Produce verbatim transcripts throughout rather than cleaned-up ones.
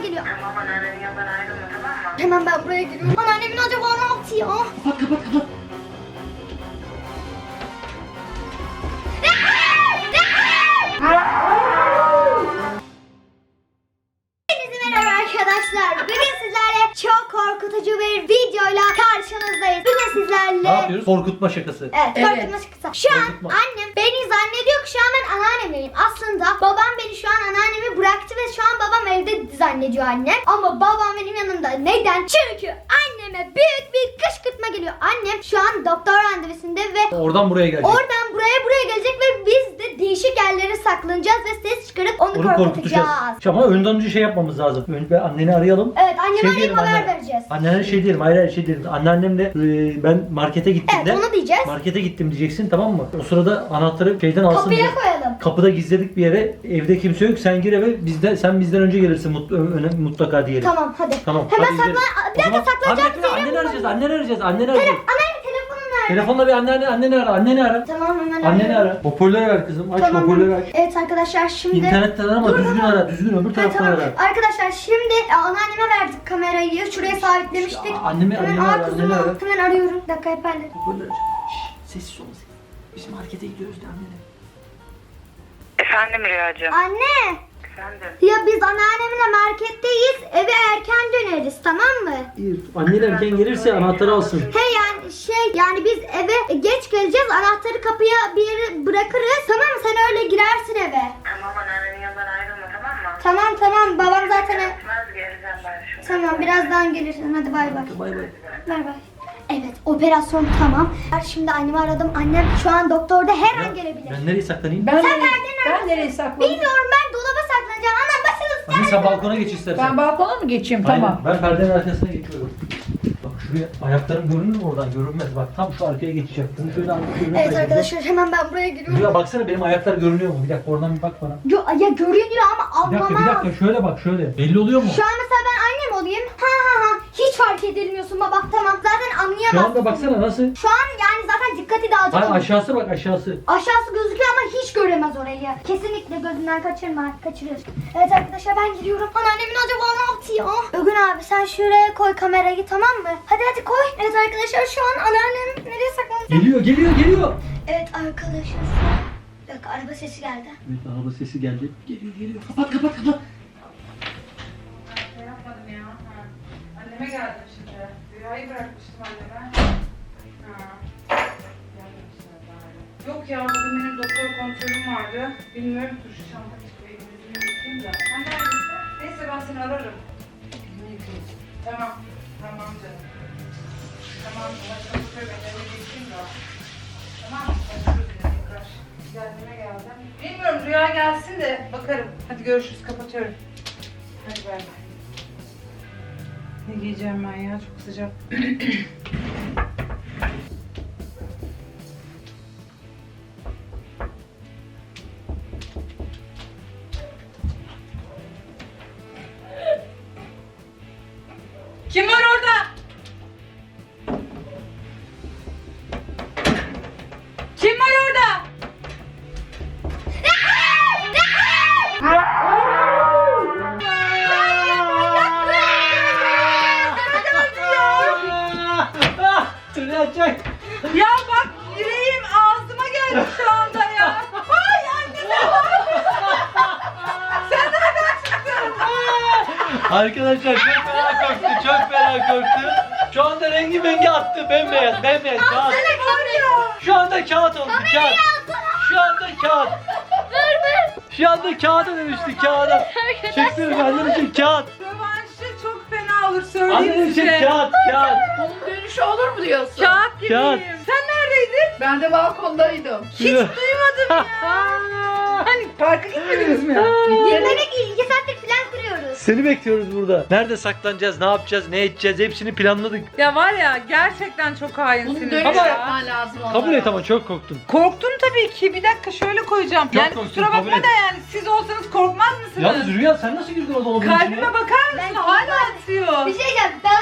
geliyor. Tamam, anneannemin yanından ayrılma, tamam mı? Hemen ben buraya giriyorum. Anneannemin acaba ne yaptı ya? Kapat kapat kapat. Hepinize merhaba arkadaşlar. Bugün sizlerle çok korkutucu bir videoyla karşınızdayız. Bugün sizlerle... Ne yapıyoruz? Korkutma şakası. Evet, Evet. korkutma şakası. Şu an Korkutma. annem beni zannediyor ki şu an ben anneannemleyim. Aslında babam beni şu an anneannemi bıraktı ve şu an babam evde zannediyor annem. Ama babam benim yanımda. Neden? Çünkü anneme büyük bir kışkırtma geliyor. Annem şu an doktor randevusunda ve Oradan buraya gelecek. oradan buraya buraya gelecek ve biz de değişik yerlere saklanacağız ve ses çıkarıp onu, Onu korkutacağız. korkutacağız. Ama önden önce şey yapmamız lazım. Önce anneni arayalım. Evet, anneme Şey arayıp diyelim haber annene. vereceğiz. Annene şey diyelim. Hayır hayır şey diyelim. Anneannemle e, ben markete gittiğimde. Evet, onu diyeceğiz. Markete gittim diyeceksin, tamam mı? O sırada anahtarı şeyden alsın. Kapıya diye. koyalım. Kapıda gizledik bir yere. Evde kimse yok. Sen gir eve. Bizde sen bizden önce gelirsin mut, öne- mutlaka diyelim. Tamam, hadi. Tamam. Hemen hadi gidelim. saklan. O Bir dakika, zaman- saklanacağımız Abi, bekle, yere Anneni mi arayacağız. Anneni arayacağız. Anneni arayacağız. Anneanne telefonun nerede? Telefonla bir anneanne anneni ara. Anneni ara. Tamam, hemen Anneni arıyorum. ara. Hoparlörü ver kızım. Aç Tamam. hoparlörü aç. Evet arkadaşlar, şimdi... İnternetten arama. Dur, Düzgün dur. ara. Düzgün öbür Ha, taraftan tamam. ara. Arkadaşlar şimdi e, anneanneme verdik kamerayı. Şuraya sabitlemiştik. Ya, annemi- hemen, annemi aa, ara, kuzum, anneni ara. hemen arıyorum. Bir dakika efendim. Hoparlörü aç. Şşş, sessiz ol. Biz markete gidiyoruz de annene. Efendim Rüyacığım. Anne. Efendim. Ya biz anneannemle marketteyiz. Eve erken döneriz, tamam mı? İyi. Annen erken gelirse anahtarı alsın. He yani şey yani biz eve geç geleceğiz. Anahtarı kapıya bir yere bırakırız. Tamam mı? Sen öyle girersin eve. Tamam, anneannemin yanından ayrılma, tamam mı? Tamam tamam. Babam zaten... Gitmez, geleceğim ben şimdi. Tamam, birazdan gelirsin. Hadi bay bay. Bay bay. Bay bay. Evet, operasyon tamam. Şimdi annemi aradım. Annem şu an doktorda her an gelebilir. Ben nereye saklanayım? Ben, Sen nereye, nereden ben nereye saklanayım? Bilmiyorum, ben dolaba saklanacağım. Anam başınız Anne sen balkona geç istersen. Ben balkona mı geçeyim? Aynen, Tamam. ben perdenin arkasına geçiyorum. Bak şuraya ayaklarım görünür mü oradan? Görünmez. Bak tam şu arkaya geçeceğim. Bunu şöyle alıp görünür. Evet arkadaşlar, hemen ben buraya giriyorum. Rüya baksana benim ayaklar görünüyor mu? Bir dakika oradan bir bak bana. Yo, ya görünüyor ama Bir dakika bir anlamam. dakika şöyle bak şöyle. Belli oluyor mu? Şu an mesela ben annem olayım. Ha ha ha. Hiç fark edilmiyorsun baba. Tamam, zaten Şu anlayamazsın. anda baksana nasıl? Şu an yani zaten dikkati dağıtıyor. Hayır aşağısı bak aşağısı. Aşağısı gözüküyor ama hiç göremez orayı. Kesinlikle gözünden kaçırma, kaçırır. Evet arkadaşlar, ben gidiyorum. Anneannemin acaba ne yaptı ya? Ögün abi sen şuraya koy kamerayı, tamam mı? Hadi hadi koy. Evet arkadaşlar, şu an anneannem nereye saklanacak? Geliyor geliyor geliyor. Evet arkadaşlar. Bir dakika, araba sesi geldi. Evet araba sesi geldi. Geliyor geliyor. Kapat kapat kapat. Ne yapmadım ya? Ha. Anneme geldim şimdi. Rüyayı bırakmıştım anneme. Ha. Geldim şimdi bari. Yok ya, bugün benim doktor kontrolüm vardı. Bilmiyorum, dur şu çanta çıkıyor. Elimi yıkayayım da. Sen neredesin? Neyse, ben seni ararım. Elimi yıkayayım. Tamam. Tamam canım. Tamam. Ben çalışıyorum. Ben elimi yıkayayım da. Tamam. Başlıyoruz yine tekrar. Geldiğime geldim. Bilmiyorum, Rüya gelsin de bakarım. Hadi görüşürüz. Kapatıyorum. Hadi bay bay. Ne giyeceğim ben ya? Çok sıcak. Kim var orada? Kim var orada? Rüya çek. Ya bak, yüreğim ağzıma geldi şu anda ya. Ay anne, sen Sen nereden çıktın? Arkadaşlar çok fena korktu. Çok fena korktu. Şu anda rengi mengi attı. Bembeyaz bembeyaz kağıt. Şu anda kağıt oldu kağıt. Şu anda kağıt. Şu anda kağıda dönüştü kağıda. Çeksene annem için kağıt. Rövanşı çok fena olur, söyleyeyim Annem için size. kağıt kağıt. Bunun dönüşü olur mu diyorsun? Kağıt gibiyim. Kağıt. Sen neredeydin? Ben de balkondaydım. Hiç duymadım ya. Hani parka gitmediniz mi? Yemek iki saattir plan kuruyoruz. Seni bekliyoruz burada. Nerede saklanacağız, ne yapacağız, ne edeceğiz hepsini planladık. Ya var ya, gerçekten çok Bunun hainsiniz dönüşü ya. yapman lazım onlara. Kabul et ama çok korktun. Korktum tabii ki. Bir dakika şöyle koyacağım. Çok yani korktun, kusura kabul bakma et. da yani siz olsanız korkmaz mısınız? Yalnız Rüya sen nasıl girdin o dolabın içine? Kalbime bakar mısın? Ben- Hala atıyor. Bir şey diyeceğim, bana yapsanız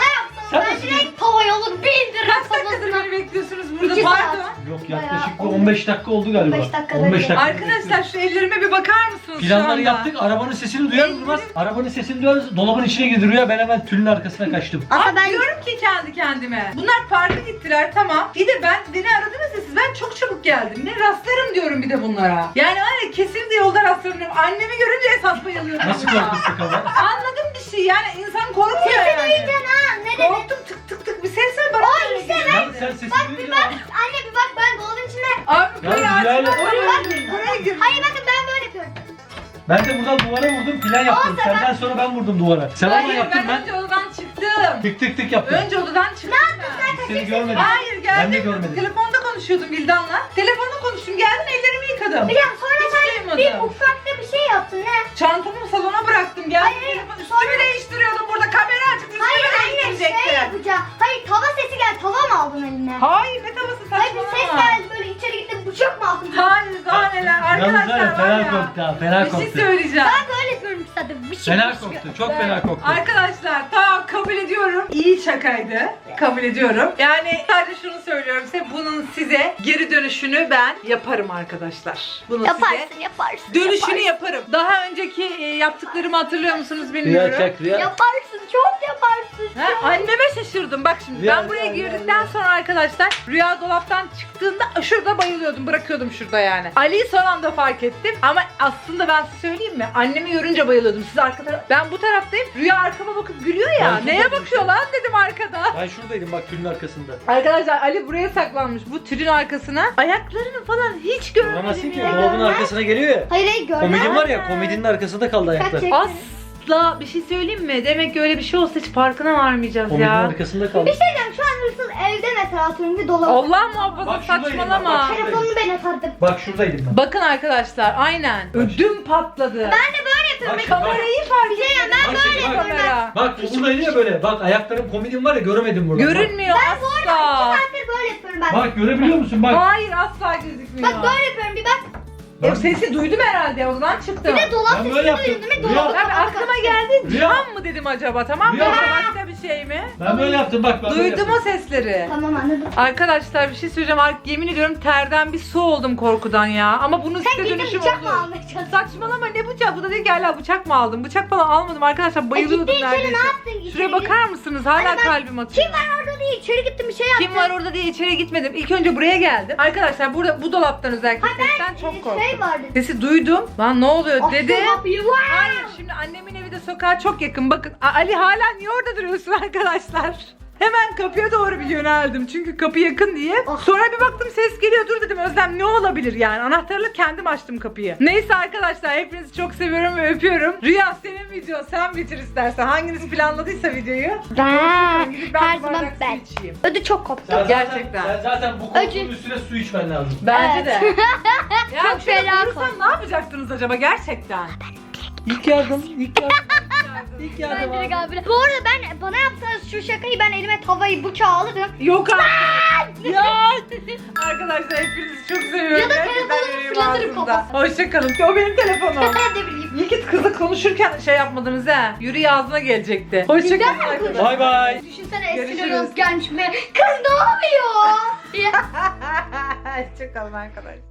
Sen Ben nasıl direkt tavayı alır bildiririm Kaç dakikadır tavasına. beni bekliyorsunuz burada? İki saat. Pardon. Yok yaklaşık bir on beş dakika oldu galiba. on beş dakikada on beş bir. dakika. Arkadaşlar şu ellerime bir bakar mısınız şu Planları anda? yaptık. Arabanın sesini duyar durmaz. Arabanın sesini duyar. Dolabın içine girdi Rüya. Ben hemen tülün arkasına kaçtım. Aslında Abi ben diyorum ki kendi kendime. Bunlar parka gittiler tamam. Bir de ben beni aradınız ya siz. Ben çok çabuk geldim. Ne rastlarım diyorum bir de bunlara. Yani var ya kesinlikle yolda rastlarım. Annemi görünce esas bayılıyorum. Nasıl ya. korkuttuk ama? Anladım bir şey yani insan korkuyor sesi yani. duyacaksın ha. Ne dedi? Korktum tık tık tık bir ses ver bana. Ay işte Ya sen sesini duyunca... Anne bir bak ben dolabın içinde. Abi Ya buraya Rüyayla- açma. Oraya Bak, gir. Buraya gir. Hayır bakın ben böyle yapıyorum. Ben de buradan duvara vurdum. Plan yaptım. Olsa Senden sonra ben vurdum duvara. Sen ama Hayır yaptın ben ben. önce odadan çıktım. Tık tık tık yaptım. Önce odadan çıktım ben. Seni görmedim. Hayır geldim. Ben de görmedim. Telefonda konuşuyordum Vildan'la. Telefonda konuştum. Geldim ellerimi yıkadım. Biliyorum sonra Hiç sen duymadım. bir ufakta bir şey yaptın ne? Çantamı salona bıraktım. Geldim Hayır, telefon üstümü değiştiriyordum burada. Kamera açık. Üstümü Hayır anne değiştirecektim. şey yapacağım. Hayır tava sesi geldi. Tava mı aldın eline? Hayır ne tavası Hayır bir ses saçmalama. geldi böyle içeri gittim bıçak mı aldın? Hayır daha neler. Yalnız var Arkadaşlar ya var fena ya. korktu ha. Fena Bir şey korktu. söyleyeceğim. Ben böyle yapıyorum zaten. Bir şey Fena bir şey. korktu. Çok fena korktu. Arkadaşlar tamam kabul ediyorum. İyi şakaydı. Kabul ediyorum. Yani sadece şunu söylüyorum size. Bunun size geri dönüşünü ben yaparım arkadaşlar. Bunu size Yaparsın yaparsın. dönüşünü yaparsın. yaparım. Daha önceki e, yaptıklarımı hatırlıyor musunuz Rüya bilmiyorum. çek Rüya. Yaparsın çok yaparsın. Ha, anneme şaşırdım. Bak şimdi Rüya, ben buraya Rüya, girdikten Rüya. sonra arkadaşlar Rüya dolaptan çıktığında şurada bayılıyordum. Bırakıyordum şurada yani. Ali'yi son anda fark ettim. Ama aslında ben size söyleyeyim mi? Annemi görünce bayılıyordum. Siz arka taraf... Ben bu taraftayım. Rüya arkama bakıp gülüyor ya. Ben Neye şurada bakıyor lan dedim arkada. Ben şuradaydım bak tülün arkasında. Arkadaşlar Ali buraya saklanmış. Bu tülün arkasına. Ayaklarını falan hiç görmedim Bulamazsın ki. ya. Dolabın arkasına geliyor ya. Hayır hayır görmem. Komedin var ya komedinin arkasında kaldı ayaklar. Kaç- Asla bir şey söyleyeyim mi? Demek ki öyle bir şey olsa hiç farkına varmayacağız Komedinin ya. arkasında kaldı. Bir şey diyeceğim şu an hırsız evde mesela atıyorum bir dolap. Allah muhafaza Bak şuradayım, saçmalama. bak, bak. Telefonunu ben atardım. Bak şuradaydım ben. Bakın arkadaşlar aynen. Ödüm patladı. Ben de böyle yapıyorum. Bak şimdi, bak. Kamerayı fark Bir şey etmedim. ben Bak böyle şimdi, bak. yapıyorum ben. Bak bu buradaydı ya böyle. Bak ayaklarım komedin var ya göremedim burada. Görünmüyor Ben bu arada iki asla. saattir böyle yapıyorum ben. Bak, bak görebiliyor musun bak. Hayır asla gözükmüyor. Bak böyle yapıyorum bir bak. E, sesi duydum herhalde odadan çıktım. Bir de dolap Ben böyle sesini yaptım. duydum değil mi? Rüya- Dolabı Tabii kapalı aklıma kaçtı. geldi Rüya. cam mı dedim acaba tamam mı? Rüya. Yoksa başka bir şey mi? Ben böyle yaptım bak. Ben böyle Duydum o yaptım. sesleri. Tamam anladım. Arkadaşlar bir şey söyleyeceğim. Artık yemin ediyorum terden bir su oldum korkudan ya. Ama bunun Sen size gidip dönüşüm bıçak mı olur. almaya çalıştın? Saçmalama ne bıçak? Bu da değil ki hala bıçak mı aldım? Bıçak falan almadım arkadaşlar. Bayılıyordum E, gittin içeri, neredeyse. ne yaptın? İçeri Şuraya git. bakar mısınız? Hala Hadi ben- kalbim atıyor. Kim var orada değil içeri gittim bir şey yaptım. Kim var orada diye içeri gitmedim. İlk önce buraya geldim. Arkadaşlar burada bu dolaptan özellikle sesten çok Ee, korktum. Şey vardı. Sesi duydum. Lan ne oluyor Açtım dedi. kapıyı, vay! Hayır şimdi annemin evi de sokağa çok yakın. Bakın A- Ali hala niye orada duruyorsun arkadaşlar? Hemen kapıya doğru bir yöneldim. Çünkü kapı yakın diye. Ah. Sonra bir baktım ses geliyor. Dur dedim Özlem ne olabilir yani? Anahtarla kendim açtım kapıyı. Neyse arkadaşlar hepinizi çok seviyorum ve öpüyorum. Rüya senin video sen bitir istersen. Hanginiz planladıysa videoyu. Ben. Gidip ben Her bir zaman bardak su ben. içeyim. Ödü çok koptu. Sen zaten- Gerçekten. Sen zaten bu koltuğun Acı. üstüne su içmen lazım. Bence Evet. de. Ya Çok şöyle fena vurursam korktum. ne yapacaktınız acaba gerçekten? İlk yardım, ilk yardım. İlk yardım Ben direkt abi. abi. Bu arada ben bana yapsanız şu şakayı ben elime tavayı bıçağı alırım. Yok artık. Ya. Arkadaşlar hepinizi çok seviyorum. Ya da Gerçekten telefonumu yüreğim fırlatırım ağzımda. kafasına. Hoşçakalın. O benim telefonum. Ben de bileyim. İyi ki kızı konuşurken şey yapmadınız ha. Yürü ağzına gelecekti. Hoşçakalın Bizden mi arkadaşlar. Bay bay. Düşünsene eskiden Görüşürüz. Özgenç mi? Kız ne oluyor? Hoşçakalın arkadaşlar.